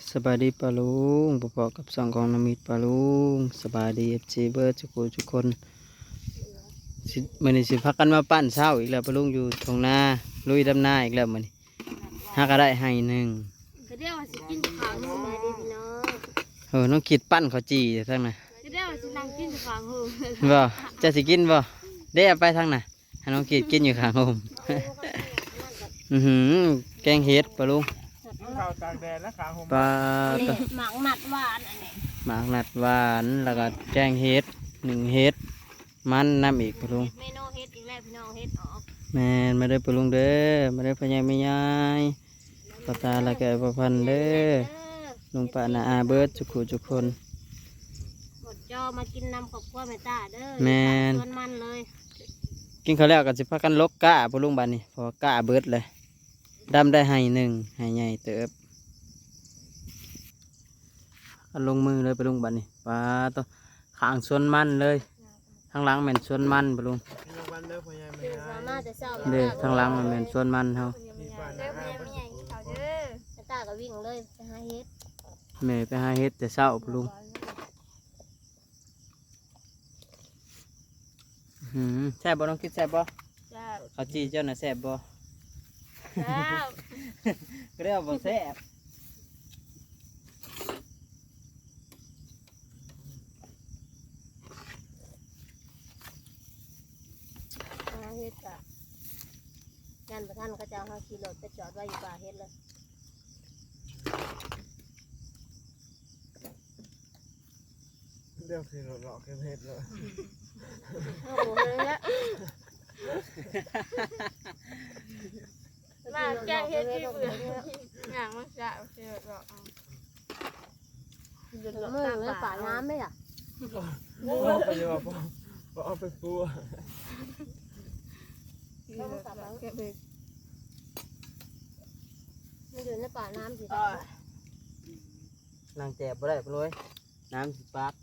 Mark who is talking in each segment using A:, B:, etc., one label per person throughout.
A: สบายดีปะลุงประกอบกับสองของน้ำมิตรปะลุงสบายดีเอฟซีเบิร์ดทุกคนมื้อนี้สิพักกันมาปั้นเช้าอีกแล้วปะลุงอยู่ตรงหน้าลุยดำหน้าอีกแล้วมื้อนี้หาก็ได้ให้หนึ่ง
B: ก็เรียกว่าสิกินขางหูมาดิพี่น้อง
A: น้องคิดปั้นข้าวจีอยู่ทางน่ะ
B: ก็เรียกว่าสินั่งกินขางหู
A: บ่จะสิกินบ่ได้เอาไปทางน่ะให้น้องคิดกินอยู่ข้างโฮม แกงเห็ดปะลุง
C: ข้าวตากแดดและขาหม
A: ปลา
B: หมักหนัดหวานอันนี้
A: หมากหนัดหวานแล้วก็แกงเห็ดหนึ่งเห็ดมันน้ำอีกปะลุง
B: เมนูเฮ็ดอีกแล้วพี่น้องเฮ็ดออก
A: แม่นมาได้ปะลุงเด้อมาได้พญายไม่ยายปตาละแกประพันธ์เด้อลุงป้านาอาเบิร์ดทุกคน
B: หมดจอมากินน้ำกับข้าวแม่ตาเด้อ
A: แม่น
B: ชวนมันเลย
A: กินข้าวแล้วก็สิพากันลกกะปะลุงบัดนี้พอกะเบิร์ดเลยดำได้ให้หนึ่งให้ใหญ่เติบเอาลงมือเลยปะลุงบัดนี้ปลาตัวขางสวนมันเลยทางหลังแม่นสวนมันปะลุงเด้อทางหลังมันแม่นสวนมันเฮา
B: แม่ตาก็วิ่งเลยไปหาเฮ็ด
A: แม่ไปหาเฮ็ดแต่เช้าปะลุงแซ่บบ่น้องคิดแซ่บบ่ข้าวจีเจ้าน่ะแซ่บบ่ก็เรียกว่าแซ่บ
B: หาเฮ็ดกะงานประท่านก็จะเอาขี่รถไปจอดไว้อยู่ป่าเฮ็ดเลย
C: เรื่องคือหลอกเก็บเห็ดเลย
B: โอ้โหเลยละมาแกงเฮ็ดที่เบื่ออย่างมันจะเสียหรอกเดือดร้อนเลยป่าน้ำไหมอ่ะ
C: ไปเยอะพอเอาไปปู
B: มันอยู่ในป่าน้ำสิ
A: นางแจบบ่ได้ปะเลยน้ำสิปาก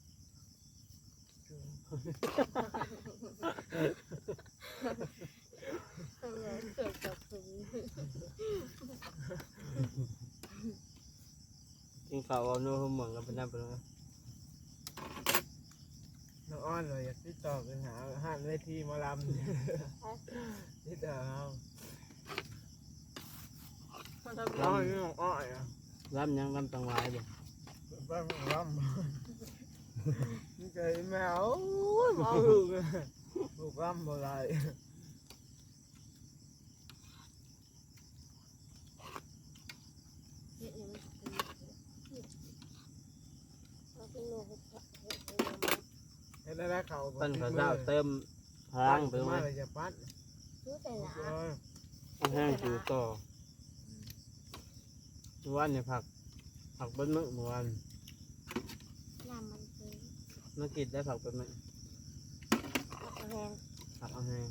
A: กินข้าวเอาเนื้อหุ่มเหมือนกันเป็นน้ำเป็นเลย
C: น้องอ้อนเลยอยากติดต่อกันหาห้านเวทีมาลำติดต่อเอาน้องนี่น้องอ้อย
A: รำยังรำตังไว้บ่
C: บ้างลำนี่ใจแมวมองลูกลูกลำบ่ได้แล้วเขา
A: ปั้นข้าวเจ้าเติมพลังไปไหม
C: จะปั้น
A: แห้งจูต่อวันเนี่ยผักเบิ้ลมึกเมื่อวันเมื่อกินได้ผักเป็นไหมผักเอาแห้ง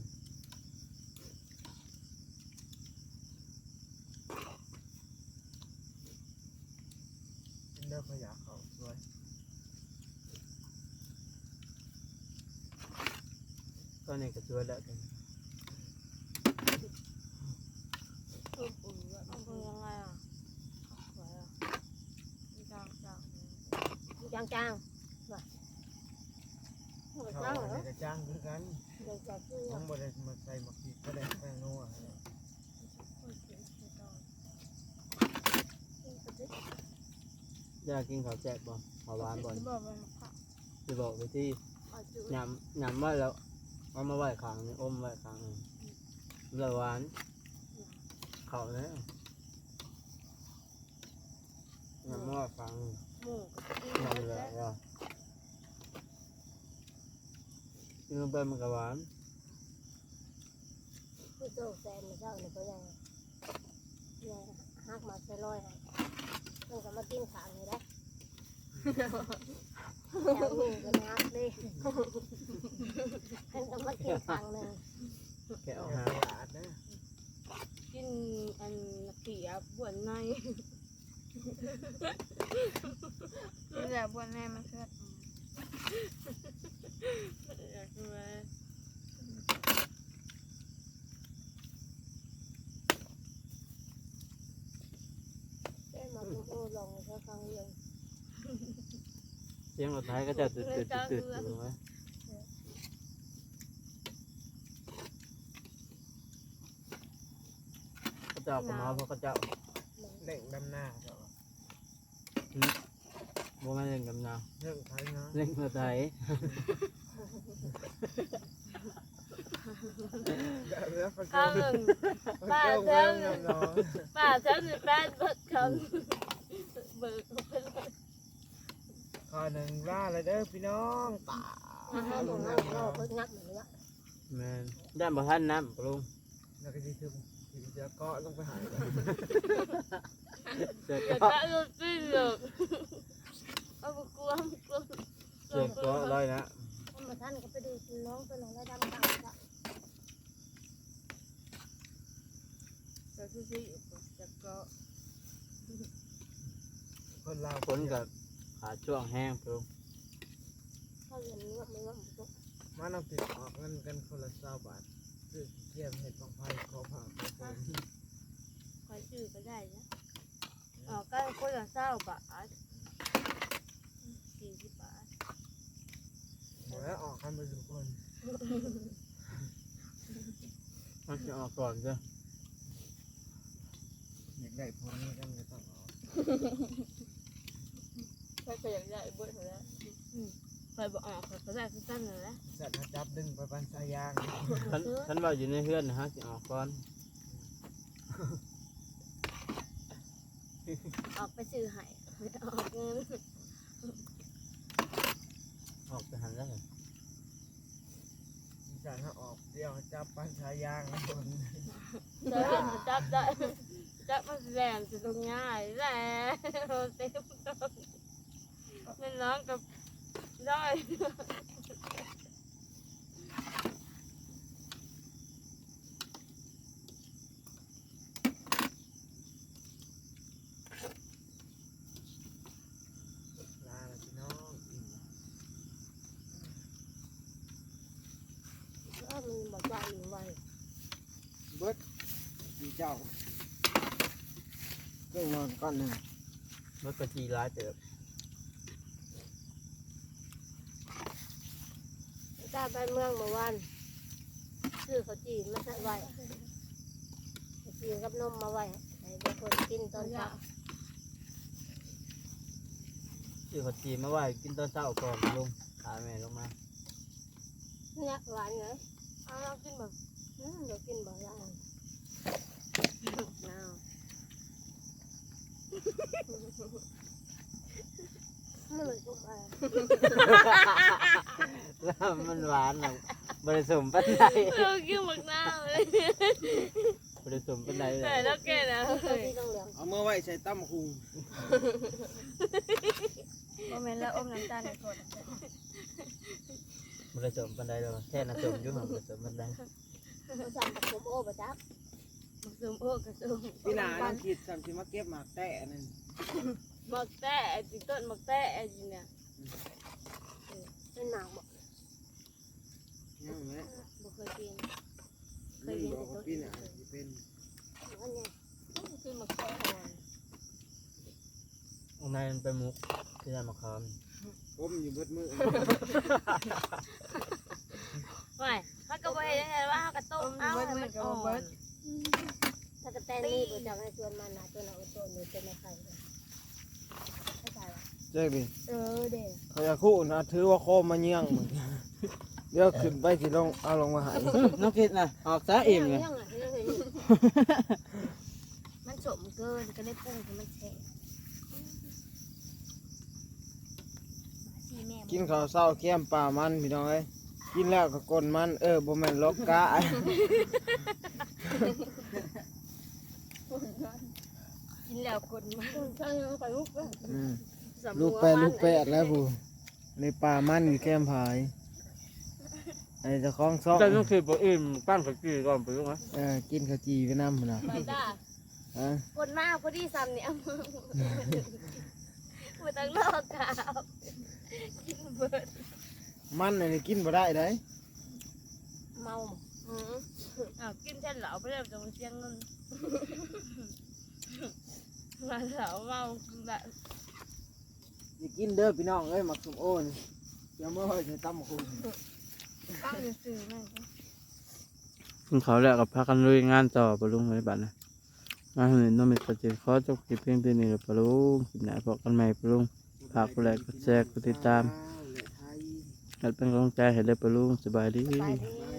C: กินแล้วขยะเขาสวย
A: ก็เนี่ยก็ช่วยแล้วกัน
B: จาง
C: ว่ะจ้างเหรอจ้างคือกันต้องบริมาใส่หมักผิดก็ได้แป้งนัว
A: อยากกินข้าวแจ๊กบ่ข้าวหวานบ่จะบอกไปที่ยำว่าแล้วเอามาไหว้ข้างนี่อมไหว้ข้างนี่แล้วหวานข้าวเนี่ยยำว่าข้างยำเลยว่ากินลงไปมันก็หวาน
B: ผู้โตแซนเจ้าเนี่ยก็ยังฮักมาใส่ร้อยมันก็มากินขางนี่ได้แล้วหนึ่งก็นัดเลยมันก็มากินขางหนึ่ง
C: แกเอาหาหวานนะ
B: กินอันเขียบวนในนี่แหละบวนในมันเกิดอยากมาได้มาโอ้ลองฟังเรื่อง
A: เสียงรถไถก็จะตื่นอยู่ไหมเขาเจ้าก็มาเพราะเขาเจ้า
C: เล่งดำหน้าเจ้า
A: บ่มาเล่นกับนา
C: เรื่องไทยนะ
A: เล่นรถไถ
C: แล้วก็
B: ข้าวหนึ่ง
C: ป้าเจ้าเรื่องน้อง
B: ป้าฉันจะแป้นเบิดคำเบิกไปเลย
C: ขอหนึ่งว่าเลยเด้อพี่น้องป่า
B: ให้ผมเอาเราเพิ่งงับเหมือนกัน
A: แม่นด้านบ่ทันน้ำปลุง
C: แล้วก็ที่ถึงจะเกาะลงไปหาย
A: เสือ
B: อย่า
A: เกาะ
B: ตะลุปิ้งเลยเอาไปกลัว
A: เสือเกาะลอยนะ
B: มาท่านก็ไปดูน้องตัวน้องแล้วดำตังก็จะซื้อจะก็
C: คนเรา
A: ฝนกับขาช่วงแห้งปลุง
B: เขาเรียนว่าไม่ว่ามันก็
C: มาเอาติดออกเงินกันคนละ20 บาทซื้อเกี่ยมเห็ดบางไผ่ขอผ่าขอผ่า
B: คอยซื้อก็ได้นะอ๋อก็คนละ20 บาท40 บาท
C: หมดแล้วออกกันไปทุกคน
A: มันจะออกก่อนจ้ะ
C: อยากได้พวกนี้กันเลยต้องออก
B: ถ้าเกิดอยากได้เบิดแล้วคอยบอกออกเขาได้สั้นเลยนะ
C: สัตว์จับดึงไปปันสายยาง
A: ฉันว่าอยู่ในเฮือนนะฮะสิออกก่อน
B: ออกไปซื้อไห้ออกเงิน
A: ออกไปหันแล้วเหรอ
C: สัตว์ถ้าออกเดียวจับปันสายยางนะคน
B: จับได้จับมันแหลมจะตรงง่ายแหละเต็มนั่นน้องกับได้
C: ลาละพี่น้อง
B: มันบอกว่าอยู่ไว้
C: เบิดดีเจ้าเครื่องนอนก้อนหนึ่ง
A: รถกระจีร้ายเติบ
B: ตาไปเมืองเมื่อวานซื้อข้าวจีนมาใส่ไว้ข้าวจีนกับนมมาไว้ให้บางคนกินตอนเช้า
A: ซื้อขจีมาไหว้กินตอนเช้าก่อนลุงพาแม่ลงมา
B: เนี่ยหวานเลยเอาเรากินแบบเรากินแบบละอันเอาไม่เลยทุกอัน
A: แล้วมันหวานนะบริสุทธิ์ปันใด
B: เรากินหมกหน้าเลย
A: บริสุทธิ์ปันใดเล
B: แต่
A: ย
B: แล้วแกนะที่ต้องเหลือง
C: เอาเมื่อไว้ใส่ตั้มคุง
B: โมเมนต์แล้วอมน้ำตาลในคน
A: บริสุทธิ์ปันใดเลยแค่น่ะจมอยู่ห่างบริสุทธิ์ปันใด
B: เขาสั่งกับผมโอ้ประจับซุมโอ้กับซุม
C: พี่นาต้องคิดสั่งสิมาเก็บหมากแตะนั่น
B: หมกแต้จิต้นหมกแต้จิเนี่ยเป็นหนังบ่
C: ยังไง
B: บ่เคยกิน
C: ไม่บอกว่าพี่นาจะเป็น
B: อันเนี้ยคือหมกแต้
A: ข้างในมันเป็นมุกที่ได้มาคาม
C: อมอยู่เบิดมือ
B: ไม่ถ้าก็บ่เห็นว่าเขากระต้มเอาให้มันอ่อนถ้ากระแตนี่บ่จังให้ชวนมันนะตัวน่ะตัวนี้เป็นไม่ใครเลยเข้าใจป่ะ
C: เจ๊บิ
B: เด้
C: เขาจะคู่นะถือว่าโคมมาเยี่ยงมึงเดี๋ยวขึ้นไปสิลงเอาลงมาหาย
A: น้องคิดนะออกซะอิ่มเลย
B: มันสมเกินก็ได้ปรุงให้มันแฉะ
C: กินข้าวเศร้าแก้มปลามันพี่น้องเอ้ยกินแล้วก็กลนมันบ่แม่นลกกะ
B: กินแล้วกดมันใช่ไปลูก
C: ลูกแปดแล้วผู้ในปลามันอยู่แก้มผายไอ้เจะคล้าของซ่อง
A: แต่น้องคิดบอกอิ่มปั้นขจีก่อนไปลุงนะ
C: กินข้าวจีไปน้ำพุ่นน่ะ
B: ไปจ้า
C: ฮะ
B: คนมากพอดีซ้ำเนี่ยมาตั้งรอบกาวกินเบิด
C: มันอันนี้กินบ่ได้เด้
B: เมากินเส้นเหลาไปแล้วจะมาเสียงเงินมาเหลาเมาแบบ
C: อย่ากินเด้อพี่น้องเอ้ยหมักส้มโอ้นี่เดี๋ยวเมื่อไหร่จะตำหมกหุ่น
B: ตั้งอยู่สื่อแม่
A: กินเขาวแล้วกับพักกันลุยงานต่อปะลุงไว้บัดนะงานเห็นน้องมีประเด็นขอจบคลิปเพียงเท่านี้แล้วปะลุงคลิปหน้าพบกันใหม่ปะลุงฝากกดไลค์กดแชร์กดติดตาม
C: และไทย
A: ให้เป็นกำลังใจให้เลยปะลุงสบายดี
B: ไปดี